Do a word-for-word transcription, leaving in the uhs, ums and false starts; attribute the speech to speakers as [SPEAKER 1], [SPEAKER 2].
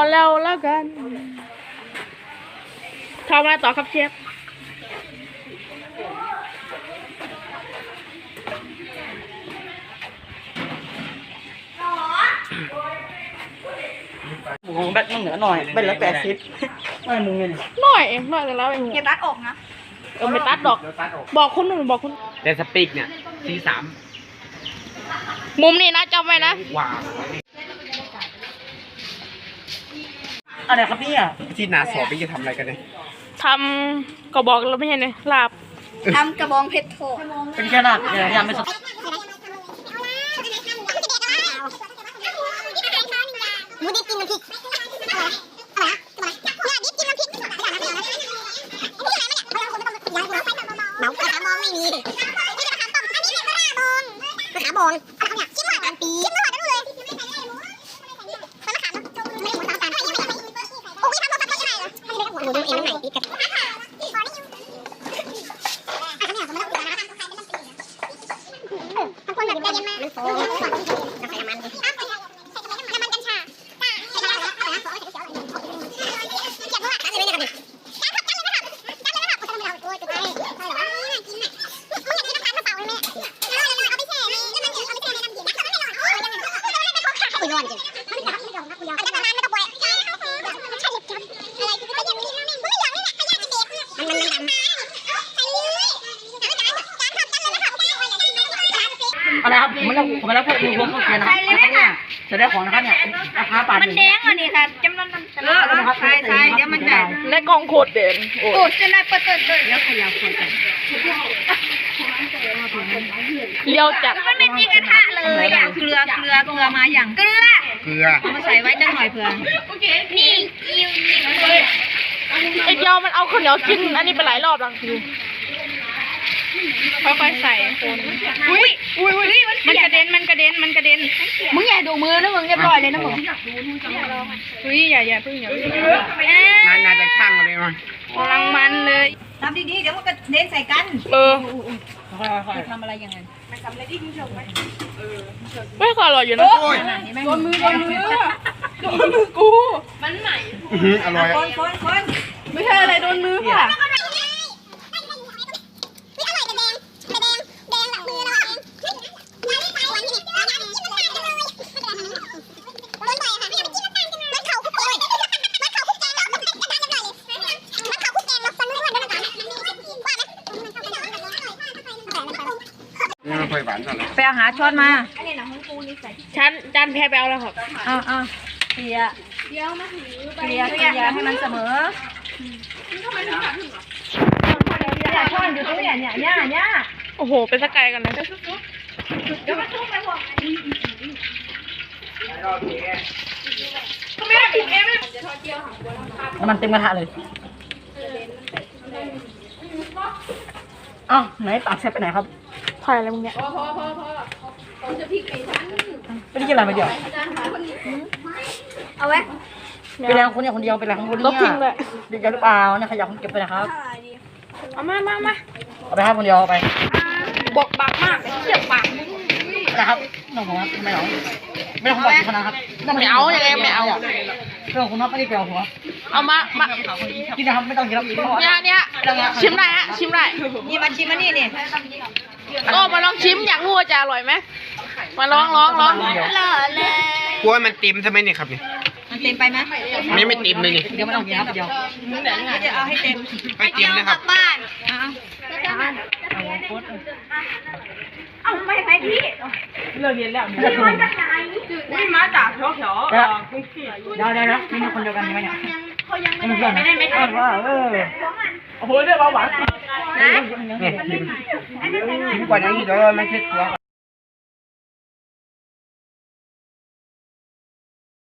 [SPEAKER 1] แล้วแล้วกันทำอะไรต่อครับเชฟ
[SPEAKER 2] หมูแบตมันเหนือหน่อยเป็นละแปดสิบไม่มึงไง
[SPEAKER 1] หน่อยเองหน่อยกันแล้วเอง
[SPEAKER 3] เก็บรัดอกนะ
[SPEAKER 1] เออไม่ตัดดอกบอกคนหนึ่งบอกคน
[SPEAKER 4] แต่สปีกเนี่ยซีสาม
[SPEAKER 1] มุมนี้นะจำไว้นะ
[SPEAKER 4] ว้าว
[SPEAKER 2] อะไรครับเนี่ย
[SPEAKER 4] ที่นาสอบไปจะทำอะไรกันเนี่ย
[SPEAKER 1] ทำก็บอกแล้วไม่ใช่เนี่ยลาบ
[SPEAKER 3] ทำกระบองเพชรโถ
[SPEAKER 2] เป็นแค่ลาบอย่าทำไม่สด
[SPEAKER 3] หมูดิบกินน้ำพริกเมาขาบองไม่มีนี่ขาบองอันนี้เป็นขาบองขาบองอะไรเนี่ยชิ้นหวานปีชิ้นหวานนั่นเลยมันขาไม่ได้หมูสามสามโอ้ยทำตัวสับได้ยังไงเหรอหมูดูเองไหนปีกันบางคนแบบได้เยอะมากมันโฟมน้ำใส่น้ำมันน้ำมันกัญชาใส่น้ำมันใส่น้ำมันใส่น้ำมันเก็บด้วยกันเลยนะครับกันครับกันเลยนะครับกันเลยนะครับคนเราโอ้ยจุดเลยใช่หรอกินน่ะมึงอยากกินน้ำตาลมะพร้าวไหมแม่เอาเลยเอาไปแช่ในน้ำมันเอาไปแช่ในน้ำเย็นน้ำมันไม่ร้อนโอ้ยยังไงไม่ร้อนค่ะคุยร้อนจริงไม่ร้อนไม่ร้อนไม่ร้อนอันนั้นน้ำไม่ต้องปล่อยใช่เขาคือมันใช่ลิบจับอะไรคือก็ยังมีน้ำมันไม่ร้อนนี่แหละขยะจะเด็กมันมันมันดำใส่เลยการการทำกันเลยนะครับ
[SPEAKER 2] อะไรครับผมไม่รับผมไม่รับพวกดูพวกเขาเขียนนะครับเนี่ยจะได้ของนะครับเนี่ยราคาบาทมันแดง
[SPEAKER 3] อันนี้ค่ะจำนวนมันเออใช่ใช่เดี๋ยวมันจะ
[SPEAKER 1] และกองโคตรเด่นโอ้
[SPEAKER 3] จะได้เปิดเปิดเลยแล้วขยับคนกัน
[SPEAKER 1] เลี้ยวจัด
[SPEAKER 3] มันไม่มีกระทะเลยอ่ะเกลือเกลือเกลือมาอย่างเกลือ
[SPEAKER 4] เกลือ
[SPEAKER 3] เอามาใส่ไว้จังหน่อยเผื่อโอเคนี่กิ้วนี่
[SPEAKER 1] ไอ้เจ้ามันเอาข้าวเหนียวกินอันนี้ไปหลายรอบแล้วคือค่อยๆใส่คนอุ้ยอุ้ยอุ้ยมันกระเด็นมันกระเด็นมันกระเด็นมึงอย่าดูมือนะมึงเรียบร้อยเลยนะมึงอุ้ยอย่าอย่าพึ่งอย่าพึ่ง
[SPEAKER 4] นายนายจะช่างอะไรมั้ย
[SPEAKER 1] กำลังมันเลย
[SPEAKER 3] ทำดีๆเดี๋ยวมันก็เด้งใส่กัน
[SPEAKER 1] เออ
[SPEAKER 3] ทำอะไรอย่างนั้นมันทำอะไรที่คุณชมไหมเออ
[SPEAKER 1] ไม่ก็อร่อยอยู่นะโดนมือโดนมือโดนมือกูมันใหม่
[SPEAKER 4] อร่อย
[SPEAKER 3] คนคนคน
[SPEAKER 1] ไม่ใช่อะไรโดนมือค่ะ
[SPEAKER 3] ไปเอาหาช้อนมา
[SPEAKER 1] ชั้นจานแพรไปเอาแล้วครับ
[SPEAKER 3] อ้าวอ้าวเกลี่ยเกลี่ยเกลี่ยเกลี่ยให้มันเสมอช้อนอยู่ตรงนี้เนี่ยเนี่ยเนี่ย
[SPEAKER 1] โอ้โหเป็นสกายกันเลย
[SPEAKER 3] เดี๋ยวมันทุ่มไปหมด
[SPEAKER 2] มันเต็มกระทะเลยอ้าวไหนปากแซ่บไปไหนครับ
[SPEAKER 1] ถ่ายอะไรมึงเนี่ย
[SPEAKER 2] พอพอพอพอผมจะพริกไก่ชั้นไม่ได้กินอะไรมาเดียว
[SPEAKER 3] เอาไว้
[SPEAKER 2] เป็นแรงคนเนี่ยคนเดียวเป็นแรงคนนี้
[SPEAKER 1] ทิ้งเลย
[SPEAKER 2] เดียวหรือเปล่าเนี่ยขยะคนเก็บไปนะครับ
[SPEAKER 1] เอามามามา
[SPEAKER 2] เอาไปครับคนเดียวเอาไป
[SPEAKER 1] บอกปากมากเจ็บปาก
[SPEAKER 2] นะครับน้องผมครับไม่เอาไม่ต้องบอกคนนะครับ
[SPEAKER 1] ไม่เอาอย่างไรไม่เอา
[SPEAKER 2] เรื่องคุณน็อตไม่ได้เกี่ยวหัว
[SPEAKER 1] เอามามา
[SPEAKER 2] กินนะครับไม่ต้องกินแล้ว
[SPEAKER 1] เนี่ยเนี่ยชิมได้ฮะชิมได้
[SPEAKER 3] นี่มาชิมมานี่นี่
[SPEAKER 1] ก็มาลองชิมอยากรู้ว่าจะอร่อยไหมมาลองลองลอง
[SPEAKER 3] หล่อเลย
[SPEAKER 4] กลัวมันเต็มใช่ไหมเนี่ยครับเนี่ย
[SPEAKER 3] มันเต็มไปไหม
[SPEAKER 4] ไม่ไม่เต็มเลยนี่
[SPEAKER 2] เดี๋ยวไม่ต้องกินครับเดี๋ยว
[SPEAKER 3] จะเอาให้เต็ม
[SPEAKER 4] ไม่เต็มนะครับ
[SPEAKER 3] บ้านเอาไม่ไปพี่
[SPEAKER 2] เลิกเรียนแล้ว
[SPEAKER 1] นี่มาจากแถวแถว
[SPEAKER 2] เดี๋ยวเดี๋ยวนะมีคนเดียวกันไหมเนี่ย
[SPEAKER 1] เขายังไม่ได้ไม่ได้ไม่ได้
[SPEAKER 2] เออ
[SPEAKER 4] โอ้โหเรื่องเบาหวานเนี่ยกินกว่านี้เดี๋ยวไม่เช็ดตัว